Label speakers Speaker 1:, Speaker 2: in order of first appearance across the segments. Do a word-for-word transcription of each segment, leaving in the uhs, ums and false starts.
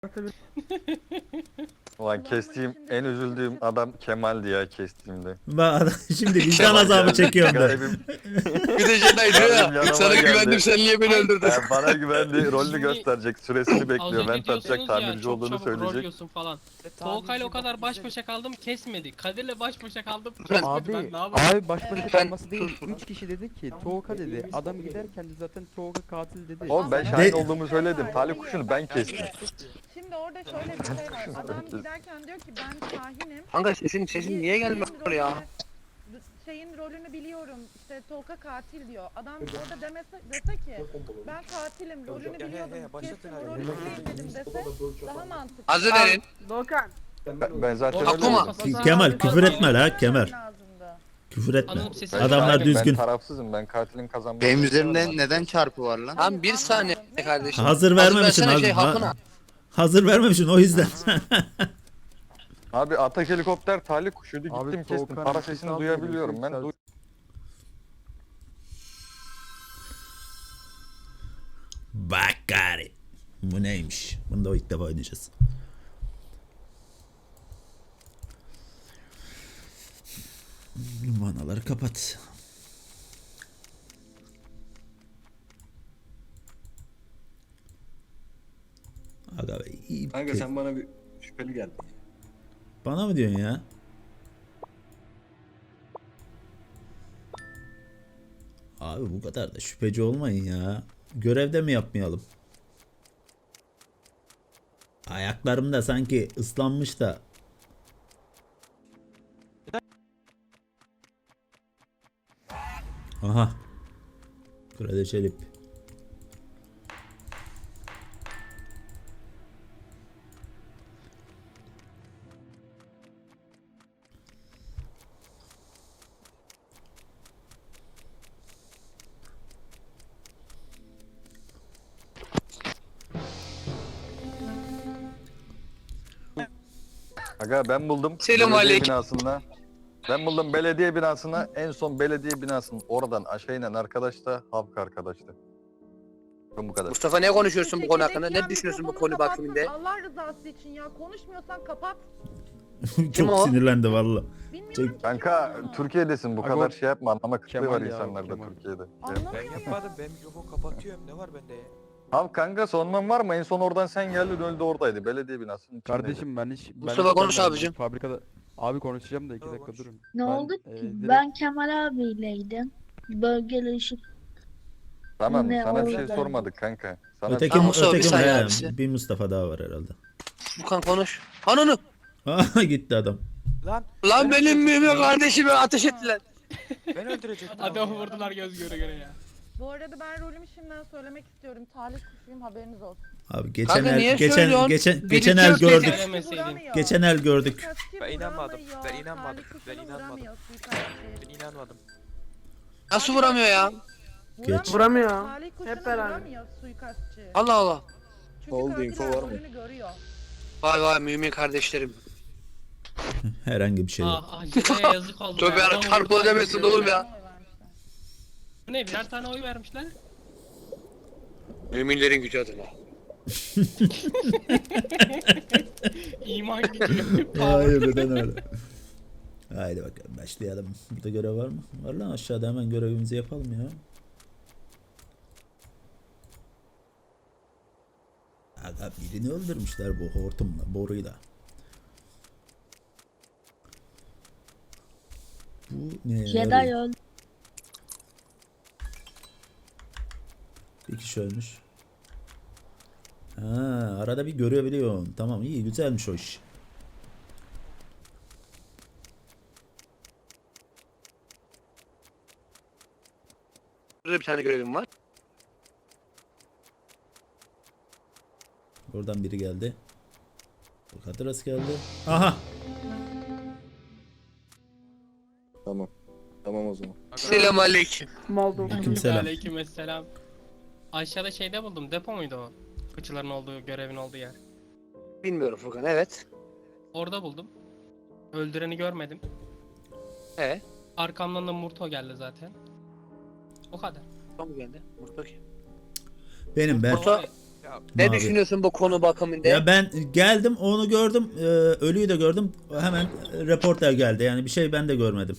Speaker 1: Ulan kestiğim en üzüldüğüm adam Kemal'di ya kestiğimde.
Speaker 2: Bak şimdi vicdan
Speaker 1: Kemal
Speaker 2: azabı
Speaker 1: geldi,
Speaker 2: çekiyorum ben.
Speaker 1: garibim.
Speaker 3: Bir de Jedi diyor
Speaker 1: Garibim
Speaker 3: ya.
Speaker 1: yanıma
Speaker 3: Sana
Speaker 1: geldi.
Speaker 3: güvendim, sen niye beni öldürdün?
Speaker 1: Yani bana güvendi, rolünü
Speaker 4: Şimdi-
Speaker 1: gösterecek, süresini
Speaker 4: Az
Speaker 1: bekliyor.
Speaker 4: önce
Speaker 1: Vent atacak,
Speaker 4: diyorsunuz ya
Speaker 1: tamirci
Speaker 4: çok
Speaker 1: olduğunu
Speaker 4: çabuk rol
Speaker 1: söyleyecek.
Speaker 4: yiyorsun falan. Tolkay'la o kadar baş başa kaldım kesmedi. Kadir'le baş başa kaldım
Speaker 3: Ben-
Speaker 4: kesmedi.
Speaker 5: Abi,
Speaker 4: Ben ne yapayım?
Speaker 5: abi baş başa
Speaker 3: Ben-
Speaker 5: kalması değil. Üç kişi dedi ki Toğka dedi. Adam giderken de zaten Toğka katil dedi.
Speaker 1: Oğlum ben
Speaker 6: Ama-
Speaker 1: şahin
Speaker 2: De-
Speaker 1: olduğumu söyledim. Talih kuşunu ben kestim.
Speaker 6: Şimdi orada şöyle bir şey var. Adam giderken diyor ki ben Şahin'im.
Speaker 3: Kanka sesin sesin niye gelmiyor
Speaker 6: Şeyin
Speaker 3: ya?
Speaker 6: rolünü- Şeyin rolünü biliyorum. İşte Tolga katil diyor. Adam orada demese dese ki ben katilim, rolünü biliyordum. Kesin o rolü sevmedim dese daha mantıklı.
Speaker 3: Hazır verin.
Speaker 1: Ben, ben zaten
Speaker 3: Aklıma-
Speaker 1: öyle
Speaker 2: Kemal küfür etme la Kemal.
Speaker 6: Lazımdı.
Speaker 2: Küfür etme.
Speaker 4: Anladım sesi.
Speaker 1: Ben
Speaker 2: Adamlar
Speaker 1: şahinim,
Speaker 2: düzgün.
Speaker 1: Ben tarafsızım. Ben katilin kazanmasını
Speaker 7: Benim
Speaker 1: istiyorum.
Speaker 7: üzerimde neden çarpı var lan?
Speaker 3: Tam bir saniye kardeşim.
Speaker 2: Hazır vermemişsin
Speaker 3: versene
Speaker 2: hazır.
Speaker 3: şey
Speaker 2: ha-
Speaker 3: hapına.
Speaker 2: hazır vermemişsin o yüzden.
Speaker 1: Abi atak helikopter talih kuşuydu.
Speaker 5: Abi,
Speaker 1: Gittim kestim.
Speaker 5: Doğukan'ın
Speaker 1: Para
Speaker 5: sesi
Speaker 1: sesini
Speaker 5: az
Speaker 1: duyabiliyorum.
Speaker 5: geliyor,
Speaker 1: Ben
Speaker 5: ses
Speaker 1: duy
Speaker 2: Bak gari. Bu neymiş? Bunu da o ilk defa oynayacağız. Manaları kapat. Aga be, iyi.
Speaker 8: Kanka sen bana bir şüpheli geldin.
Speaker 2: Bana mı diyorsun ya? Abi bu kadar da şüpheci olmayın ya. Görevde mi yapmayalım? Ayaklarım da sanki ıslanmış da. Aha. Kraliçe Çelip.
Speaker 1: Aga ben buldum.
Speaker 3: Selam
Speaker 1: belediye
Speaker 3: aleyküm.
Speaker 1: binasında. Ben buldum belediye binasına. En son belediye binasının oradan aşağı inen arkadaş da Havk arkadaştı. Ben bu kadar.
Speaker 3: Mustafa ne konuşuyorsun bu konu hakkında?
Speaker 6: Çekirdek
Speaker 3: Ne
Speaker 6: ya,
Speaker 3: düşünüyorsun bu
Speaker 6: mikrofonu
Speaker 3: konu
Speaker 6: kapatsın.
Speaker 3: bakımında?
Speaker 6: Allah rızası için ya konuşmuyorsan kapat.
Speaker 3: Kim
Speaker 2: Çok
Speaker 3: o?
Speaker 6: Bilmiyorum
Speaker 2: sinirlendi valla.
Speaker 6: ki
Speaker 1: Kanka
Speaker 6: kim o.
Speaker 1: Türkiye'desin bu
Speaker 5: Aga,
Speaker 1: kadar şey yapma, anlama kıtlığı
Speaker 5: Kemal
Speaker 1: var
Speaker 5: ya,
Speaker 1: insanlarda
Speaker 5: Kemal.
Speaker 1: Türkiye'de.
Speaker 6: Anlamıyor
Speaker 9: Ben
Speaker 6: ya.
Speaker 9: yapmadım. Ben mikrofon kapatıyorum. Ne var bende ya?
Speaker 1: Abi kanka sonman var mı? En son oradan sen geldin öldü oradaydı. Belediye binasının içindeydi.
Speaker 5: Kardeşim ben hiç... ben
Speaker 3: Mustafa
Speaker 5: hiç
Speaker 3: konuş
Speaker 5: gelmedim.
Speaker 3: abicim.
Speaker 5: Fabrikada... Abi konuşacağım da iki
Speaker 9: Tamam,
Speaker 5: dakika
Speaker 9: konuş.
Speaker 5: durun.
Speaker 10: Ne
Speaker 5: Ben,
Speaker 10: oldu
Speaker 5: e,
Speaker 10: ki?
Speaker 5: direkt-
Speaker 10: Ben Kemal abiyleydim. Bölgeli ışık.
Speaker 1: Tamam
Speaker 10: Ne
Speaker 1: sana bir şey
Speaker 10: oldu?
Speaker 1: sormadık kanka. Sana
Speaker 2: Öteki,
Speaker 3: Tamam, Mustafa, bir
Speaker 2: öteki
Speaker 3: saniye
Speaker 2: he,
Speaker 3: abisi.
Speaker 2: bir Mustafa daha var herhalde.
Speaker 3: Furkan konuş. Ananı.
Speaker 2: Aha gitti adam.
Speaker 9: Lan
Speaker 3: Lan benim mümin kardeşime ateş ettiler.
Speaker 9: ben öldürecektim.
Speaker 4: Adamı vurdular göz göre göre ya.
Speaker 6: Bu arada ben rolümü şimdiden söylemek istiyorum. Talih kuşuyum haberiniz olsun.
Speaker 2: Abi geçen
Speaker 3: Kanka niye
Speaker 2: el geçen
Speaker 3: söylüyorsun?
Speaker 2: geçen
Speaker 3: Birisi
Speaker 2: geçen el
Speaker 3: yok dedi.
Speaker 2: gördük.
Speaker 4: Söylemeseydin.
Speaker 6: Vuramıyor.
Speaker 2: Geçen el gördük.
Speaker 6: Suikastçı
Speaker 9: Ben inanmadım,
Speaker 6: vuramıyor.
Speaker 9: ben inanmadım,
Speaker 6: Talih
Speaker 9: ben
Speaker 6: kuşunu
Speaker 9: inanmadım.
Speaker 6: vuramıyor suikastçı.
Speaker 9: Ben inanmadım.
Speaker 3: Nasıl vuramıyor ya?
Speaker 2: Geç.
Speaker 6: Vuramıyor. Talih kuşunu vuramıyor suikastçı.
Speaker 3: Allah Allah.
Speaker 6: Çünkü
Speaker 8: Oldu,
Speaker 6: katiller
Speaker 8: info var mı?
Speaker 6: rolünü görüyor.
Speaker 3: Vay vay mümin kardeşlerim.
Speaker 2: Herhangi bir şey yok.
Speaker 4: Ah Acele'ye yazık oldu.
Speaker 3: Tövbe
Speaker 4: ya.
Speaker 3: yarabbim,
Speaker 4: Adam
Speaker 3: çarpı
Speaker 4: vurdular
Speaker 3: ödemesin
Speaker 4: göz göre
Speaker 3: oğlum
Speaker 4: göre.
Speaker 3: ya.
Speaker 6: Oy vermişler.
Speaker 4: Bu ne birer tane oy vermişler.
Speaker 3: Müminlerin gücü adına.
Speaker 4: İman gidiyor.
Speaker 2: Hayır neden öyle? Haydi bakalım başlayalım. Burada görev var mı? Var lan aşağıda hemen görevimizi yapalım ya. Aga birini öldürmüşler bu hortumla, boruyla. Bu ne?
Speaker 10: Jedi
Speaker 2: yarıyor?
Speaker 10: öldü.
Speaker 2: Bir kişi ölmüş. Ha, arada bir görebiliyorsun. Tamam iyi güzelmiş o iş.
Speaker 3: Burada bir tane görevim var.
Speaker 2: Oradan biri geldi. Bu Kadıras geldi. Aha.
Speaker 8: Tamam. Tamam o zaman.
Speaker 3: Selam aleyküm.
Speaker 2: Aleykümselam.
Speaker 4: Aleykümselam. Aşağıda şeyde buldum. Depo muydu o? Fıçıların olduğu, görevin olduğu yer.
Speaker 3: Bilmiyorum Furkan, evet.
Speaker 4: Orada buldum. Öldüreni görmedim.
Speaker 3: He.
Speaker 4: Arkamdan da Murto geldi zaten. O kadar.
Speaker 3: Tam geldi. Murto kim?
Speaker 2: Benim ben.
Speaker 3: Murto. Ne
Speaker 2: Mavi.
Speaker 3: düşünüyorsun bu konu bakımında?
Speaker 2: Ya ben geldim onu gördüm. e, ölüyü de gördüm. Hemen e, reporter geldi. Yani bir şey ben de görmedim.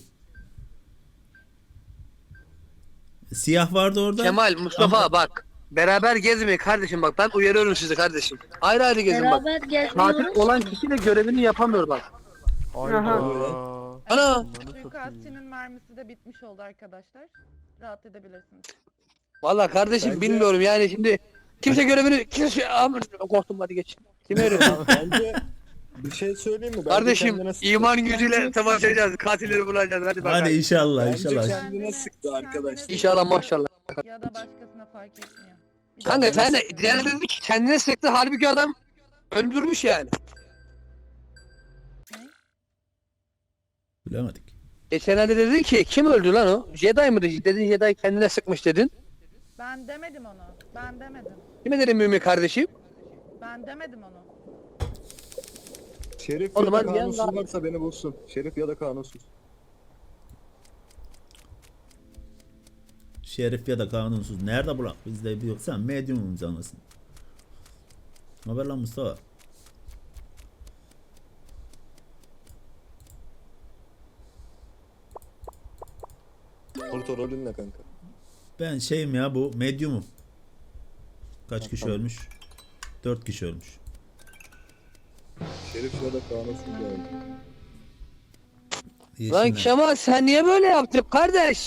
Speaker 2: Siyah vardı orada.
Speaker 3: Kemal, Mustafa
Speaker 2: Ama-
Speaker 3: bak. Beraber gezmeyin kardeşim bak. Ben uyarıyorum sizi kardeşim. Ayrı ayrı gezin bak.
Speaker 10: Beraber
Speaker 3: Katil
Speaker 10: gezmiyoruz
Speaker 3: olan
Speaker 10: ki.
Speaker 3: kişi de görevini yapamıyor bak.
Speaker 5: Ayda.
Speaker 3: Ana!
Speaker 6: Suikastçının mermisi de bitmiş oldu arkadaşlar. Rahat edebilirsiniz.
Speaker 3: Vallahi kardeşim
Speaker 8: Bence-
Speaker 3: bilmiyorum yani şimdi kimse görevini kimse Aman, korktum hadi geç. Kim veriyor?
Speaker 8: Bence bir şey söyleyeyim mi? Bence
Speaker 3: Kardeşim
Speaker 8: kendine sıktı.
Speaker 3: iman gücüyle savaşacağız. Katilleri bulacağız. Hadi bakalım.
Speaker 2: Hadi inşallah
Speaker 8: Bence
Speaker 2: inşallah.
Speaker 8: kendine sıktı arkadaş.
Speaker 3: İnşallah maşallah.
Speaker 6: Ya da başkasına fark etmiyor. Bir
Speaker 3: Kanka
Speaker 6: dakika.
Speaker 3: sen de diğerleri dedi ki kendine sıktı. Halbuki adam öldürmüş yani.
Speaker 2: Bilemedik.
Speaker 3: Geçenlerde dedin ki kim öldü lan o? Jedi mı dedi? Dedin Jedi kendine sıkmış dedin.
Speaker 6: Ben demedim onu. Ben demedim.
Speaker 3: Kime dedim Mümin kardeşim?
Speaker 6: Ben demedim onu.
Speaker 8: Şerif
Speaker 3: O
Speaker 8: ya
Speaker 3: zaman
Speaker 8: da
Speaker 3: bir
Speaker 8: kanunsuz
Speaker 3: yandan-
Speaker 8: varsa beni bulsun. Şerif ya da kanunsuz.
Speaker 2: Şerif ya da kanunsuz. Nerede bırak? Bizde bir yok. Sen medyumumuz anlasın. Haber lan Mustafa.
Speaker 8: Porto rolün ne kanka?
Speaker 2: Ben şeyim ya bu medyumum. Kaç kişi ölmüş? Dört kişi ölmüş.
Speaker 8: Şerif ya da kanunsuz geldi.
Speaker 3: Lan
Speaker 2: Yeşiller.
Speaker 3: Kemal sen niye böyle yaptın kardeş?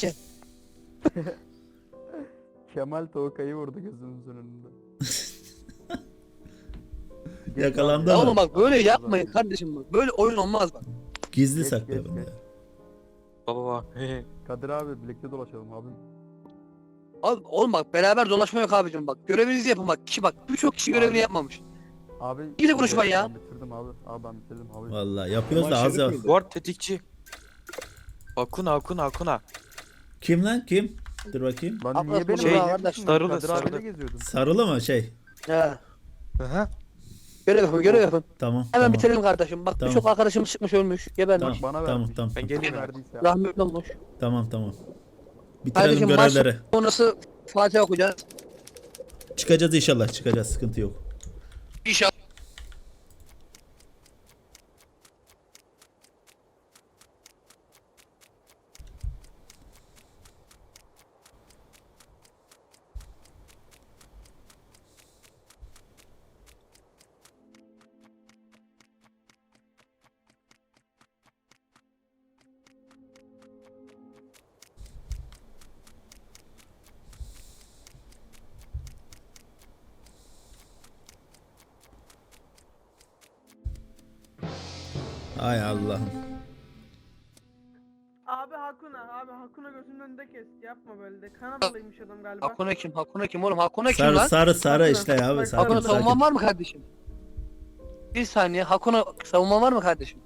Speaker 5: Kemal Toka'yı vurdu gözümüzün önünde.
Speaker 2: Yakalandı
Speaker 3: Ya
Speaker 2: ama.
Speaker 3: oğlum bak böyle yapmayın kardeşim bak. Böyle oyun olmaz bak.
Speaker 2: Gizli
Speaker 5: Geç,
Speaker 2: saklıyor
Speaker 5: geç,
Speaker 2: bunu
Speaker 5: geç.
Speaker 2: ya.
Speaker 9: Baba bak.
Speaker 5: Kadir abi birlikte dolaşalım abi.
Speaker 3: Abi, oğlum bak beraber dolaşma yok abicim bak. Görevinizi yapın bak. Kişi bak birçok kişi görevini
Speaker 5: Abi.
Speaker 3: yapmamış.
Speaker 5: Abi.
Speaker 3: İyi de konuşma ya.
Speaker 5: Ben bitirdim abi. Abi ben bitirdim abi.
Speaker 2: Vallahi yapıyoruz
Speaker 8: Ama
Speaker 2: da az
Speaker 8: Şerif
Speaker 2: ya.
Speaker 8: miydi?
Speaker 9: Ward tetikçi. Akuna Akuna Akuna.
Speaker 2: Kim lan kim? Dur bakayım.
Speaker 5: Ben
Speaker 3: Abi,
Speaker 5: niye benim
Speaker 3: şey,
Speaker 5: daha
Speaker 3: kardeş,
Speaker 9: sarılı,
Speaker 5: Kadir abiyle
Speaker 9: sarılı.
Speaker 5: geziyordum.
Speaker 2: Sarılı mı şey?
Speaker 3: He.
Speaker 9: Hı.
Speaker 3: Görev yapın görev yapın.
Speaker 2: Tamam.
Speaker 3: Hemen
Speaker 2: tamam.
Speaker 3: bitirelim kardeşim. Bak
Speaker 2: Tamam.
Speaker 3: birçok arkadaşımız çıkmış ölmüş. Gebermiş.
Speaker 2: Tamam,
Speaker 5: Bana
Speaker 2: tamam,
Speaker 5: vermiş.
Speaker 2: tamam.
Speaker 9: Ben
Speaker 5: Kim
Speaker 9: geliyorum.
Speaker 5: verdiyse.
Speaker 3: Rahmetli olmuş.
Speaker 2: Tamam tamam. Bitirelim
Speaker 3: Kardeşim maç
Speaker 2: görevleri.
Speaker 3: sonrası Fatih okuyacağız.
Speaker 2: Çıkacağız inşallah. Çıkacağız. Sıkıntı yok.
Speaker 3: İnşallah.
Speaker 2: Ay Allah'ım.
Speaker 7: Abi Hakuna, abi Hakuna gözünün önünde kes. Yapma böyle de. Kanadalıymış adam galiba.
Speaker 3: Hakuna kim? Hakuna kim oğlum? Hakuna kim
Speaker 2: Sarı
Speaker 3: lan?
Speaker 2: sarı sarı
Speaker 7: Hakuna.
Speaker 2: işte ya.
Speaker 7: Bak,
Speaker 2: Sakin
Speaker 3: Hakuna
Speaker 2: sakin.
Speaker 3: savunman var mı kardeşim? Bir saniye. Hakuna savunman var mı kardeşim?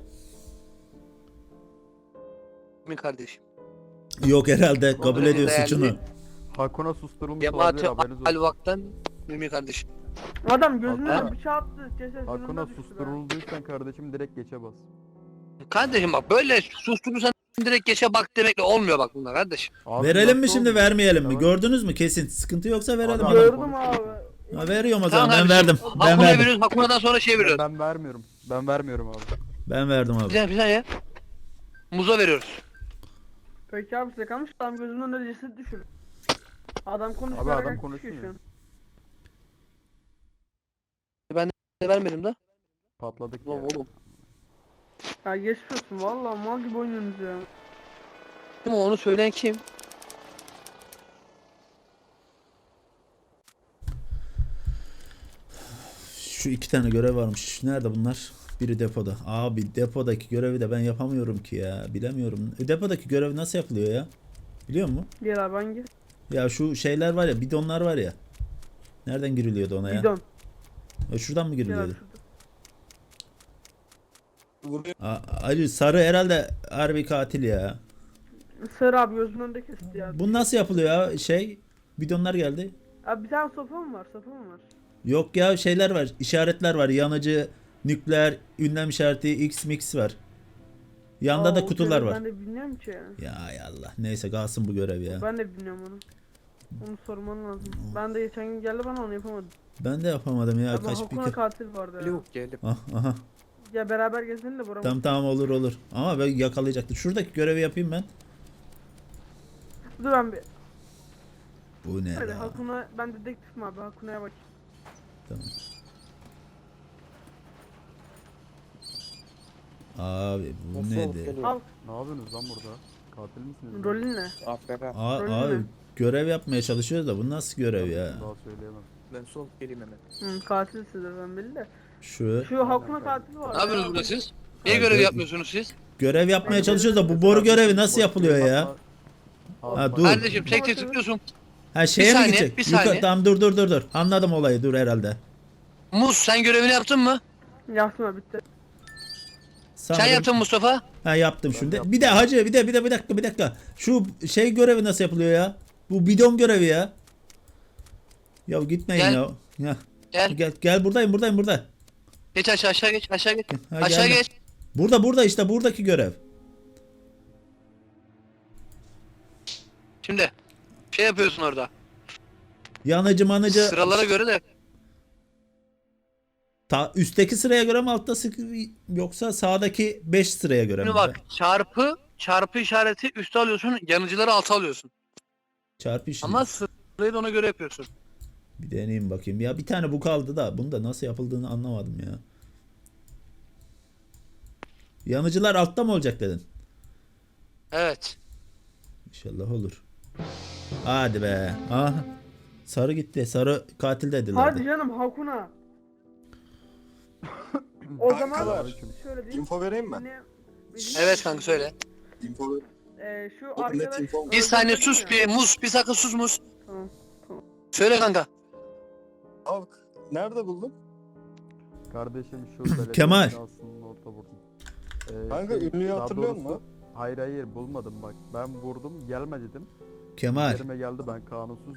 Speaker 3: Kimin kardeşim?
Speaker 2: Yok herhalde kabul
Speaker 3: Kontrol
Speaker 2: ediyor
Speaker 3: değerli.
Speaker 2: suçunu.
Speaker 5: Hakuna susturulmuş
Speaker 3: Cemaati
Speaker 5: olabilir haberiniz olsun.
Speaker 3: Alvak'tan Mümin kardeşim.
Speaker 7: Adam gözünün
Speaker 5: Hakuna.
Speaker 7: önüne bıçağı attı. Ceset
Speaker 5: Hakuna
Speaker 7: yanında düştü be.
Speaker 5: susturulduysan kardeşim direkt geçe bas.
Speaker 3: Kardeşim bak böyle susturursan direkt geçe bak demekle olmuyor bak bunlar kardeşim.
Speaker 5: Abi
Speaker 2: Verelim mi
Speaker 5: nasıl
Speaker 2: şimdi
Speaker 5: oldu?
Speaker 2: vermeyelim mi?
Speaker 5: Tamam.
Speaker 2: Gördünüz mü kesin? Sıkıntı yoksa verelim.
Speaker 5: Abi,
Speaker 2: adam.
Speaker 7: Gördüm abi.
Speaker 2: Ha, veriyorum o
Speaker 3: Tamam
Speaker 2: zaman ben
Speaker 3: kardeşim.
Speaker 2: verdim. Ben
Speaker 3: Hakuna'ya
Speaker 2: verdim.
Speaker 3: veriyoruz. Hakuna'dan sonra şey
Speaker 5: Ben,
Speaker 3: veriyoruz.
Speaker 5: ben vermiyorum. Ben vermiyorum abi.
Speaker 2: Ben verdim
Speaker 3: Bir
Speaker 2: abi.
Speaker 3: saniye bir saniye. Muza veriyoruz.
Speaker 7: Peki abi size kalmış adam gözünün önünde ceset düşür. Adam konuşuyor.
Speaker 5: Abi adam
Speaker 7: herkes
Speaker 5: konuşmuyor.
Speaker 7: düşüyor şu an.
Speaker 3: Ne vermedim de?
Speaker 5: Patladık ya.
Speaker 3: Ulan oğlum.
Speaker 7: Ya geçmiyorsun valla mal gibi oynuyorsunuz ya.
Speaker 3: Kim o? Onu söyleyen kim?
Speaker 2: Şu iki tane görev varmış. Nerede bunlar? Biri depoda. Abi depodaki görevi de ben yapamıyorum ki ya. Bilemiyorum. E, depodaki görev nasıl yapılıyor ya? Biliyor musun?
Speaker 7: Gel abi hangi?
Speaker 2: Ya şu şeyler var ya, bidonlar var ya. Nereden giriliyordu ona ya?
Speaker 7: Bidon.
Speaker 2: E, şuradan mı
Speaker 7: Gel abi
Speaker 2: giriliyordu?
Speaker 7: şurada.
Speaker 8: Vuruyor.
Speaker 2: A- Ali sarı herhalde harbi katil ya.
Speaker 7: Sarı abi gözünün önünde kesti ya.
Speaker 2: Bu nasıl yapılıyor ya? Şey, bidonlar geldi.
Speaker 7: Abi bir tane sofa mı var? Sofa mı var?
Speaker 2: Yok ya, şeyler var, işaretler var. Yanıcı, nükleer, ünlem işareti, X mix var. Yanda
Speaker 7: Aa,
Speaker 2: da
Speaker 7: o
Speaker 2: kutular
Speaker 7: görevi
Speaker 2: var.
Speaker 7: Ben de bilmiyorum ki.
Speaker 2: Ya ay Allah. Neyse kalsın bu görev ya.
Speaker 7: Ben de bilmiyorum onu. Onu sorman lazım. Ben de geçen gün geldi bana onu yapamadım.
Speaker 2: Ben de yapamadım ya.
Speaker 7: Abi
Speaker 2: Kaç bir
Speaker 7: Hakun'a
Speaker 2: kere.
Speaker 7: katil vardı ya.
Speaker 9: Yok geldim.
Speaker 2: Ah, aha.
Speaker 7: Ya beraber gezelim de Bora.
Speaker 2: Tamam tamam olur olur. Ama ben yakalayacaktım. Şuradaki görevi yapayım ben.
Speaker 7: Dur ben bir.
Speaker 2: Bu ne
Speaker 7: Hadi
Speaker 2: la?
Speaker 7: Hakun'a ben dedektifim abi. Hakun'a bak.
Speaker 2: Tamam. Abi bu
Speaker 9: Nasıl
Speaker 2: nedir?
Speaker 9: olup geliyor?
Speaker 7: Al.
Speaker 5: Ne yapıyorsunuz lan burada? Katil misiniz?
Speaker 7: Rolün ne?
Speaker 9: Aferin.
Speaker 2: Aa,
Speaker 7: Öyle
Speaker 2: abi
Speaker 7: mi?
Speaker 2: görev yapmaya çalışıyoruz da bu nasıl görev ya?
Speaker 5: Daha söyleyemem.
Speaker 9: Ben sol geleyim hemen.
Speaker 7: Hı, katilsizdir ben belli de.
Speaker 2: Şu
Speaker 7: Şu Hakun'a katil var.
Speaker 3: Ne yapıyorsunuz burada siz? Niye
Speaker 2: Ha,
Speaker 3: görev
Speaker 2: gö-
Speaker 3: yapmıyorsunuz siz?
Speaker 2: görev yapmaya çalışıyoruz da bu boru görevi nasıl yapılıyor ya? Ha, dur.
Speaker 3: Kardeşim tek tek tıklıyorsun.
Speaker 2: Ha şeye mi
Speaker 3: saniye,
Speaker 2: gidecek?
Speaker 3: bir
Speaker 2: Yukarı-
Speaker 3: saniye.
Speaker 2: tamam dur dur dur dur. Anladım olayı dur herhalde.
Speaker 3: Muz sen görevini yaptın mı?
Speaker 7: Yaptım abi bitti.
Speaker 3: Sen
Speaker 2: Sanırım-
Speaker 3: yaptın Mustafa.
Speaker 2: Ha yaptım şimdi. Bir de hacı bir de bir de bir dakika bir dakika. Şu şey görevi nasıl yapılıyor ya? Bu bidon görevi ya. Ya gitmeyin
Speaker 3: Gel.
Speaker 2: ya. Ya.
Speaker 3: Gel.
Speaker 2: Gel gel buradayım buradayım burada.
Speaker 3: Geç aşağı aşağı geç aşağı geç.
Speaker 2: Ha,
Speaker 3: Aşağı
Speaker 2: geldim.
Speaker 3: geç.
Speaker 2: Burada burada işte buradaki görev.
Speaker 3: Şimdi şey yapıyorsun orada.
Speaker 2: Yanıcı manıcı.
Speaker 3: Sıralara göre de
Speaker 2: Ta, üstteki sıraya göre mi altta sık yoksa sağdaki beş sıraya göre mi?
Speaker 3: şimdi bak çarpı çarpı işareti üste alıyorsun, yanıcıları alta alıyorsun.
Speaker 2: Çarpı işi.
Speaker 3: Ama sırayı da ona göre yapıyorsun.
Speaker 2: Bir deneyeyim bakayım. Ya bir tane bu kaldı da bunu da nasıl yapıldığını anlamadım ya. Yanıcılar altta mı olacak dedin?
Speaker 3: Evet.
Speaker 2: İnşallah olur. Hadi be. Aha. Sarı gitti. Sarı katil dediler.
Speaker 7: Hadi canım Hakun'a. O zaman
Speaker 8: Kankalar,
Speaker 7: şöyle diyeyim.
Speaker 8: info vereyim mi?
Speaker 7: Yine bizim-
Speaker 3: Evet kanka söyle.
Speaker 8: Info ver.
Speaker 7: Ee, şu
Speaker 8: net
Speaker 7: arkadaş...
Speaker 8: info.
Speaker 3: Bir saniye
Speaker 7: öldürdün
Speaker 3: sus
Speaker 7: ya.
Speaker 3: bir muz bir sakın sus muz.
Speaker 7: Tamam.
Speaker 3: Söyle kanka.
Speaker 8: Abi nerede buldun?
Speaker 5: Kardeşim şu belediye
Speaker 2: Kemal.
Speaker 5: binasının orta vurdum. Ee,
Speaker 8: Kanka,
Speaker 5: şey,
Speaker 8: ünlüyü
Speaker 5: daha
Speaker 8: hatırlıyor
Speaker 5: doğrusu-
Speaker 8: musun?
Speaker 5: Hayır hayır bulmadım bak. Ben vurdum gelme dedim.
Speaker 2: Kemal.
Speaker 5: Üzerime geldi ben kanunsuzum.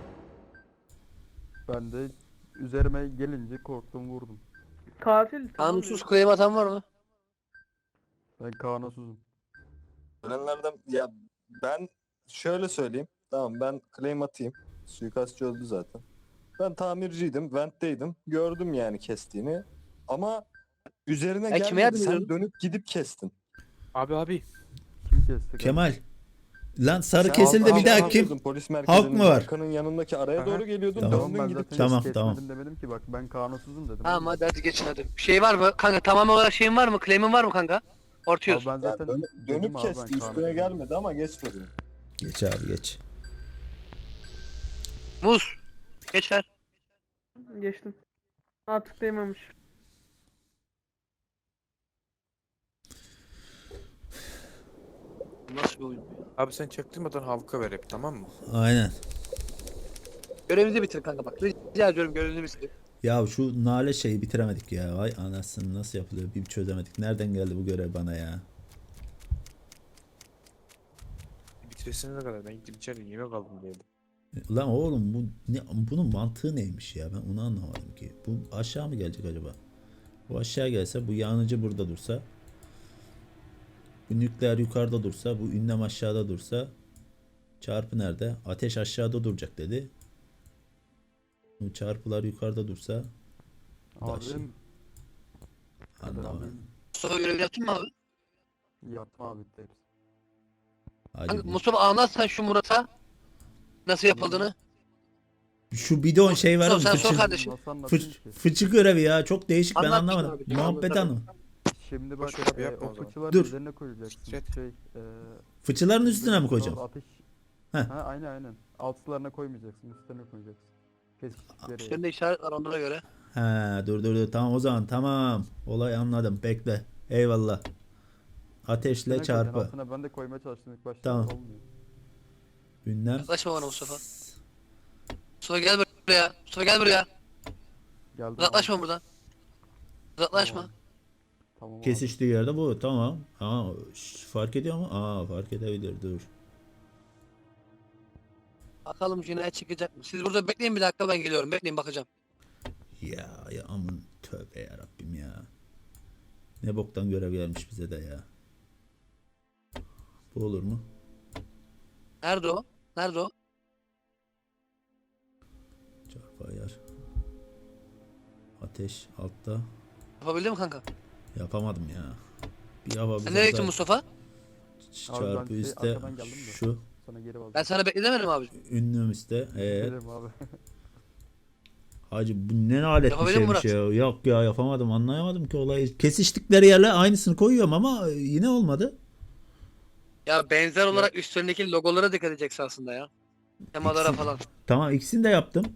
Speaker 5: Ben de üzerime gelince korktum vurdum.
Speaker 7: Katil.
Speaker 3: Kanunsuz claim atan var mı?
Speaker 5: Ben kanunsuzum.
Speaker 8: Ölenlerden ya ben şöyle söyleyeyim. Tamam ben claim atayım. Suikastçı öldü zaten. Ben tamirciydim, vent'teydim. Gördüm yani kestiğini. Ama üzerine
Speaker 3: Ya kime
Speaker 8: gelmedi.
Speaker 3: yardım
Speaker 8: Sen
Speaker 3: ediyorsun?
Speaker 8: dönüp gidip kestin.
Speaker 9: Abi abi.
Speaker 5: Kim kesti?
Speaker 2: Kemal. Lan sarı
Speaker 8: Sen
Speaker 2: kesildi
Speaker 8: halk-
Speaker 2: bir daha
Speaker 8: halk
Speaker 2: kim?
Speaker 8: yapıyordun, Polis merkezinin
Speaker 2: mı var?
Speaker 8: arkanın yanındaki araya
Speaker 9: Aha.
Speaker 8: doğru geliyordun.
Speaker 2: Tamam.
Speaker 5: Tamam
Speaker 8: Döndün
Speaker 5: ben
Speaker 8: gidip
Speaker 5: zaten
Speaker 2: Tamam,
Speaker 5: hiç
Speaker 2: tamam.
Speaker 5: kesmedim demedim ki bak ben kanunsuzum dedim.
Speaker 3: Tamam hadi hadi geçin hadi. Bir şey var mı? Kanka tamam olarak şeyin var mı? Claim'in var mı kanka?
Speaker 5: Abi
Speaker 3: Ortıyoruz.
Speaker 5: ben
Speaker 8: Ya
Speaker 5: zaten
Speaker 8: dön-
Speaker 5: dedim
Speaker 8: dönüp
Speaker 5: abi
Speaker 8: kesti.
Speaker 5: ben
Speaker 8: Üstüne
Speaker 5: kanunsuzum.
Speaker 8: gelmedi ama geçmedi.
Speaker 2: Geç abi geç.
Speaker 3: Muz. Geç ver.
Speaker 7: Geçtim. Artık değmemiş.
Speaker 3: Nasıl bir oyun?
Speaker 9: Abi sen çaktırmadan halka ver hep tamam mı?
Speaker 2: Aynen.
Speaker 3: Görevinizi bitir kanka bak. Rica ediyorum görevinizi bitir.
Speaker 2: Ya şu nale şeyi bitiremedik ya. Vay anasını nasıl yapılıyor bir çözemedik. Nereden geldi bu görev bana ya?
Speaker 9: Bitiresine kadar ben gittim içeri yemek aldım diyelim.
Speaker 2: Lan oğlum bu ne, bunun mantığı neymiş ya? Ben onu anlamadım ki. Bu aşağı mı gelecek acaba? Bu aşağı gelse, bu yanıcı burada dursa, bu nükleer yukarıda dursa, bu ünlem aşağıda dursa, çarpı nerede? Ateş aşağıda duracak dedi. Bu çarpılar yukarıda dursa, Daşı.
Speaker 5: Abim
Speaker 2: anlamadım.
Speaker 3: Mustafa görevini yaptın mı abi?
Speaker 5: yaptım abi bitti hepsi.
Speaker 2: Hadi
Speaker 3: Kanka,
Speaker 2: bu-
Speaker 3: Mustafa anlat sen şu Murat'a. Nasıl yapıldığını.
Speaker 2: Şu bidon şey var mı?
Speaker 3: Mustafa, sen sor
Speaker 2: Fıçı,
Speaker 3: kardeşim.
Speaker 5: Nasıl anlatayım
Speaker 2: fıç,
Speaker 5: ki?
Speaker 2: fıçı görevi ya. Çok değişik ben
Speaker 3: Anlat
Speaker 2: anlamadım.
Speaker 3: abi, tamam,
Speaker 2: Muhabbet
Speaker 3: tamam.
Speaker 2: anlamadım.
Speaker 5: Şimdi bak
Speaker 9: Boş ver abi,
Speaker 5: e,
Speaker 9: yapma o
Speaker 5: o
Speaker 9: zaman.
Speaker 5: fıçıları
Speaker 2: Dur.
Speaker 5: üzerine koyacaksın.
Speaker 9: Set.
Speaker 5: Şey, e,
Speaker 2: Fıçıların üstüne mi
Speaker 5: üzerine
Speaker 2: koyacağım?
Speaker 5: Ateş.
Speaker 2: Heh.
Speaker 5: Ha aynen aynen. Altlarına koymayacaksın, üstlerine koyacaksın. Kesiştikleri.
Speaker 3: Üstünde işaret var onlara göre.
Speaker 2: He dur dur dur tamam o zaman tamam. Olay anladım bekle. Eyvallah. Ateşle
Speaker 5: Üstüne koyacaksın,
Speaker 2: çarpı.
Speaker 5: Altına ben de koymaya çalıştım ilk başta.
Speaker 2: Tamam.
Speaker 5: Olmuyor.
Speaker 2: Ünlem.
Speaker 3: Yaklaşma bana Mustafa. Mustafa gel buraya. Mustafa gel buraya.
Speaker 5: Geldi.
Speaker 3: Uzaklaşma buradan. Uzaklaşma.
Speaker 5: Tamam. Tamam abi.
Speaker 2: Kesiştiği yerde bu tamam. Aa, şş, fark ediyor mu? Aa fark edebilir dur.
Speaker 3: Bakalım cinayet çıkacak mı? Siz burada bekleyin bir dakika ben geliyorum. Bekleyin bakacağım.
Speaker 2: Ya ya aman tövbe ya Rabbim ya. Ne boktan görev gelmiş bize de ya. Bu olur mu?
Speaker 3: Nerede o? Nerede o?
Speaker 2: Ateş altta.
Speaker 3: Yapabildin mi kanka?
Speaker 2: Yapamadım ya. Bir hava
Speaker 3: Sen nereye gittin Mustafa?
Speaker 5: Abi ben
Speaker 2: çarpı
Speaker 5: şey,
Speaker 2: üstte
Speaker 5: arkadan geldim de.
Speaker 2: şu
Speaker 5: Sana geri
Speaker 3: Ben
Speaker 5: bağlı.
Speaker 3: sana beklemedim abi.
Speaker 2: ünlüm üstte. Evet.
Speaker 5: Gelirim abi.
Speaker 2: Hacı bu ne alet bir
Speaker 3: Yapabildin mi
Speaker 2: şeymiş ya. Yok ya yapamadım, anlayamadım ki olayı. Kesiştikleri yerle aynısını koyuyorum ama yine olmadı.
Speaker 3: Ya benzer olarak üstlerindeki logolara dikkat edeceksin aslında ya. Temalara
Speaker 2: İkisi-
Speaker 3: falan.
Speaker 2: Tamam, ikisini de yaptım.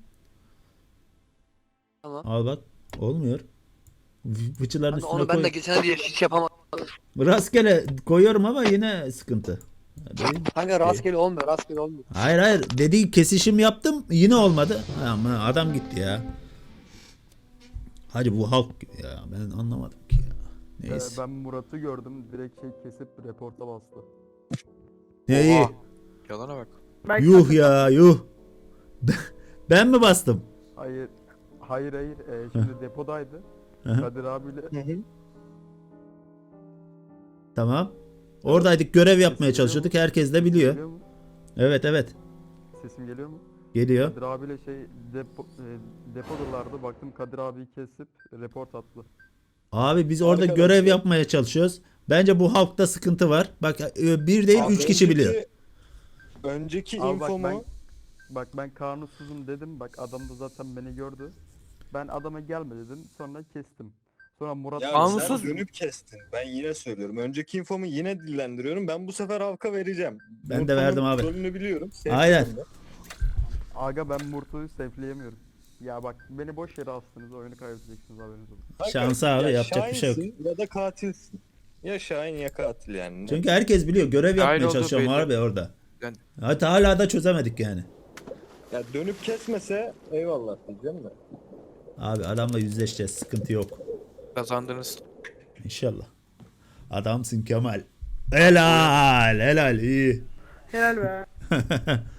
Speaker 3: Tamam.
Speaker 2: Al bak, olmuyor. V- Fıçıların
Speaker 3: Hani
Speaker 2: üstüne
Speaker 3: onu ben
Speaker 2: koy.
Speaker 3: de geçen diye hiç yapamadım.
Speaker 2: Rastgele koyuyorum ama yine sıkıntı. Benim-
Speaker 3: Kanka rastgele olmuyor, rastgele olmuyor.
Speaker 2: Hayır hayır, dediği kesişim yaptım yine olmadı. Ama adam gitti ya. Hacı bu halk gibi ya, ben anlamadım ki ya.
Speaker 5: Ee,
Speaker 2: Neyse.
Speaker 5: ben Murat'ı gördüm. Direkt şey kesip reporta bastı.
Speaker 2: Neyi?
Speaker 9: Oha. Yalana bak.
Speaker 7: Belki
Speaker 2: Yuh ya yuh. Ben mi bastım?
Speaker 5: Hayır. Hayır hayır. Ee, şimdi depodaydı.
Speaker 2: Hı hı.
Speaker 5: Kadir abiyle
Speaker 2: Tamam. Oradaydık, görev yapmaya
Speaker 5: geliyor
Speaker 2: çalışıyorduk.
Speaker 5: mu?
Speaker 2: Herkes de biliyor.
Speaker 5: geliyor mu?
Speaker 2: Evet evet.
Speaker 5: Sesim geliyor mu?
Speaker 2: Geliyor.
Speaker 5: Kadir abiyle şey depo, e, depodalardı. Baktım Kadir abiyi kesip report attı.
Speaker 2: Abi biz orada
Speaker 8: Arkadaşlar-
Speaker 2: görev yapmaya çalışıyoruz. Bence bu halkta sıkıntı var. Bak e, bir değil
Speaker 8: Abi
Speaker 2: üç kişi
Speaker 8: önceki-
Speaker 2: biliyor.
Speaker 8: Önceki
Speaker 5: Abi bak
Speaker 8: infomu
Speaker 5: ben bak ben kanunsuzum dedim. Bak adam da zaten beni gördü. Ben adama gelme dedim. Sonra kestim. Sonra Murat
Speaker 8: ya
Speaker 9: Kanunsuz
Speaker 8: sen dönüp kestin. Ben yine söylüyorum. Önceki infomu yine dillendiriyorum. Ben bu sefer Havk'a vereceğim.
Speaker 2: Ben de
Speaker 8: Murta'nın
Speaker 2: verdim abi.
Speaker 8: Rolünü biliyorum.
Speaker 2: Aynen.
Speaker 8: Sevdim de.
Speaker 5: Aga ben Murtu'yu safe'leyemiyorum. Ya bak beni boş yere astınız, oyunu kaybedeceksiniz, haberiniz olsun.
Speaker 8: Kanka,
Speaker 2: Şansı abi,
Speaker 8: ya
Speaker 2: yapacak bir şey yok.
Speaker 8: Şahinsin Ya da katilsin. Ya Şahin ya katil yani.
Speaker 2: Çünkü herkes biliyor, görev
Speaker 9: Dahil
Speaker 2: yapmaya
Speaker 9: olduğu
Speaker 2: çalışıyorum
Speaker 9: belli.
Speaker 2: abi orada.
Speaker 9: Yani-
Speaker 2: Hatta hala da çözemedik yani.
Speaker 8: Ya dönüp kesmese eyvallah diyeceğim de.
Speaker 2: Abi adamla yüzleşeceğiz, sıkıntı yok.
Speaker 9: Kazandınız.
Speaker 2: İnşallah. Adamsın Kemal. Helal helal iyi.
Speaker 7: helal be.